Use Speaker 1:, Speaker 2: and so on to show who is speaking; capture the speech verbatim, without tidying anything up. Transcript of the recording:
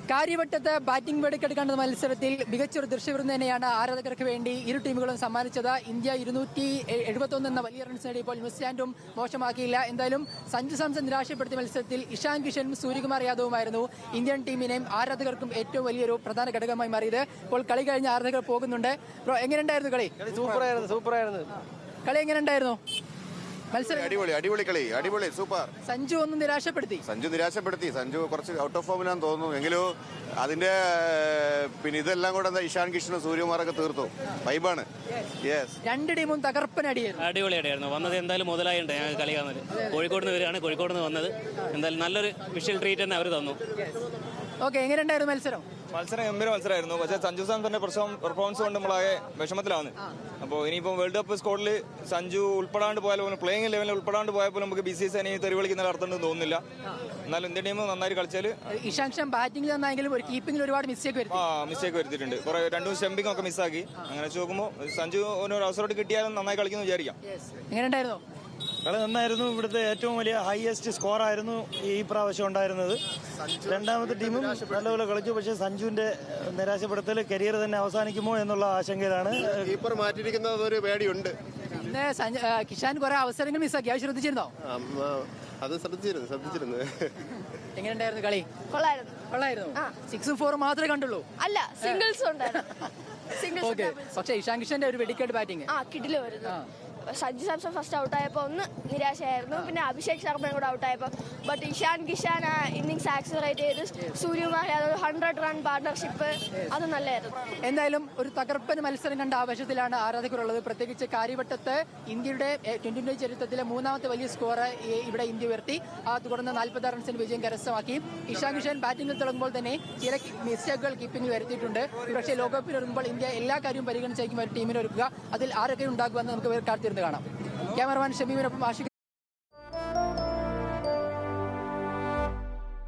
Speaker 1: കാര്യവട്ടത്ത് batting വെടിക്കെടുക്കേണ്ട മത്സരത്തിൽ മികച്ചൊരു ദൃശ്യവിരുന്ന് തന്നെയാണ് ആരാധകർക്ക് വേണ്ടി ഇരു ടീമുകളും സമ്മാനിച്ചത്. ഇന്ത്യ ഇരുന്നൂറ്റി എഴുപത്തൊന്ന് എന്ന വലിയ റൺസ് നേടിയപ്പോൾ ന്യൂസിലാൻഡും മോശമാക്കിയില്ല. എന്തായാലും സഞ്ജു സാംസൺ നിരാശപ്പെടുത്തിയ മത്സരത്തിൽ ഇഷാൻ കിഷനും സൂര്യകുമാർ യാദവുമായിരുന്നു ഇന്ത്യൻ ടീമിനെയും ആരാധകർക്കും ഏറ്റവും വലിയൊരു പ്രധാന ഘടകമായി മാറിയത്. ഇപ്പോൾ കളി കഴിഞ്ഞ ആരാധകർ പോകുന്നുണ്ട്. എങ്ങനെയുണ്ടായിരുന്നു കളി?
Speaker 2: സൂപ്പറായിരുന്നു സൂപ്പറായിരുന്നു
Speaker 1: കളി എങ്ങനെയുണ്ടായിരുന്നു? മത്സരം
Speaker 3: അടിപൊളി അടിപൊളി കളി അടിപൊളി സൂപ്പർ.
Speaker 1: സഞ്ജു ഒന്നും നിരാശപ്പെടുത്തി
Speaker 3: സഞ്ജു നിരാശപ്പെടുത്തി സഞ്ജു കുറച്ച് ഔട്ട് ഓഫ് ഫോമിലാന്ന് തോന്നുന്നു. എങ്കിലും അതിന്റെ പിന്നെ ഇതെല്ലാം കൂടെ എന്താ ഇഷാൻ കിഷനും സൂര്യകുമാറൊക്കെ തീർത്തു. വൈബാണ്. യെസ്,
Speaker 1: രണ്ട് ടീമും തകർപ്പനടിയായിരുന്നു.
Speaker 4: അടിപൊളിയായിട്ടായിരുന്നു വന്നത്. എന്തായാലും മുതലായിട്ടുണ്ട് ഞങ്ങൾക്ക് കളി കാണുന്നത്. കോഴിക്കോട് നിന്ന് വരികയാണ്, കോഴിക്കോട് നിന്ന് വന്നത്. എന്തായാലും നല്ലൊരു വിഷ്വൽ ട്രീറ്റ് തന്നെ അവർ തന്നു.
Speaker 1: ഓക്കെ, എങ്ങനെയുണ്ടായിരുന്നു മത്സരം?
Speaker 2: മത്സരം ഗംഭീര മത്സരമായിരുന്നു. പക്ഷേ സഞ്ജു സാംസന്റെ പെർഫോമൻസ് കൊണ്ട് നമ്മളാകെ വിഷമത്തിലാണ്. അപ്പോൾ ഇനിയിപ്പോൾ വേൾഡ് കപ്പ് സ്ക്വാഡിൽ സഞ്ജു ഉൾപ്പെടാണ്ട് പോയാൽ പോലും പ്ലേയിങ് ലെവലിൽ ഉൾപ്പെടാണ്ട് പോയാൽ പോലും നമുക്ക് ബി സി സി തെറി വിളിക്കുന്ന അർത്ഥമുണ്ടെന്ന് തോന്നുന്നില്ല. എന്നാലും ഇന്ത്യൻ ടീം നന്നായി കളിച്ചാൽ
Speaker 1: ഇഷാൻ ഖാൻ ബാറ്റിംഗിൽ നന്നായെങ്കിലും ഒരു കീപ്പിംഗിൽ ഒരുപാട് മിസ്റ്റേക്ക് വരുത്തി.
Speaker 2: ആ മിസ്റ്റേക്ക് വരുത്തിയിട്ടുണ്ട്. കുറെ രണ്ടും സ്റ്റംപിംഗ് ഒക്കെ മിസ്സാക്കി. അങ്ങനെ വെച്ച് നോക്കുമ്പോൾ സഞ്ജു ഒരു അവസരം കിട്ടിയാലും നന്നായി കളിക്കുന്നു വിചാരിക്കാം.
Speaker 1: എങ്ങനെയുണ്ടായിരുന്നു
Speaker 5: കളി? നന്നായിരുന്നു. ഇവിടുത്തെ ഏറ്റവും വലിയ ഹയസ്റ്റ് സ്കോർ ആയിരുന്നു ഈ പ്രാവശ്യം ഉണ്ടായിരുന്നത്. രണ്ടാമത്തെ ടീമും നല്ലപോലെ കളിച്ചു. പക്ഷേ സഞ്ജുവിന്റെ നിരാശപ്പെടുത്തൽ കരിയർ തന്നെ അവസാനിക്കുമോ എന്നുള്ള ആശങ്കയിലാണ്.
Speaker 3: കീപ്പർ മാറ്റിയിരിക്കുന്നത് ഒരു പേടിയുണ്ട്.
Speaker 1: പിന്നെ കിഷാൻ കുറെ അവസരങ്ങൾ മിസ്സാക്കി. അത് ശ്രദ്ധിച്ചിരുന്നോ?
Speaker 3: അത് ശ്രദ്ധിച്ചിരുന്നു ശ്രദ്ധിച്ചിരുന്നു
Speaker 1: എങ്ങനെയുണ്ടായിരുന്നു കളി?
Speaker 6: കൊള്ളായിരുന്നു.
Speaker 1: കൊള്ളായിരുന്നു. സിക്സും ഫോറും മാത്രമേ കണ്ടുള്ളൂ?
Speaker 6: അല്ല, സിംഗിൾസ് ഉണ്ടായിരുന്നു.
Speaker 1: ഓക്കെ, പക്ഷേ ഇഷാൻ കിഷന്റെ ഒരു വെടിക്കേട് ബാറ്റിംഗ്
Speaker 6: ആ കിടില് വരുന്നു. സഞ്ജു സാംസൺ ഫസ്റ്റ് ഔട്ടായപ്പോൾ ഒന്ന് നിരാശയായിരുന്നു. പിന്നെ അഭിഷേക് ശർമ്മയും കൂടെ ഔട്ടായപ്പോൾ. ബട്ട് ഇഷാൻ കിഷാൻ ആ ഇന്നിങ്സ് ആക്സിലറേറ്റ് ചെയ്ത് Suryakumar Yadav hundred run partnership അത് നല്ലതായിരുന്നു.
Speaker 1: എന്തായാലും ഒരു തകർപ്പൻ മത്സരം കണ്ട ആവേശത്തിലാണ് ആരാധകരുള്ളത്. പ്രത്യേകിച്ച് കാര്യവട്ടത്ത് ഇന്ത്യയുടെ ട്വന്റി ട്വന്റി ചരിത്രത്തിലെ മൂന്നാമത്തെ വലിയ സ്കോർ ഇവിടെ ഇന്ത്യ ഉയർത്തി. ആ തുടർന്ന് നാൽപ്പത്തി റൺസിന് വിജയം കരസ്ഥമാക്കി. ഇഷാൻ കിഷാൻ ബാറ്റിംഗിൽ തുടങ്ങുമ്പോൾ തന്നെ ചില മിസ്റ്റേക്കുകൾ കീപ്പിംഗിൽ വരുത്തിയിട്ടുണ്ട്. പക്ഷേ ലോകകപ്പിൽ ഒരുങ്ങുമ്പോൾ ഇന്ത്യ എല്ലാ കാര്യവും പരിഗണിച്ചായിരിക്കും ഒരു ടീമിനെ ഒരുക്കുക. അതിൽ ആരൊക്കെ ഉണ്ടാകുമെന്ന് നമുക്ക് കാത്തിരുന്ന് കാണാം. ക്യാമറമാൻ ഷമീമിനൊപ്പം ആഷിഖ്.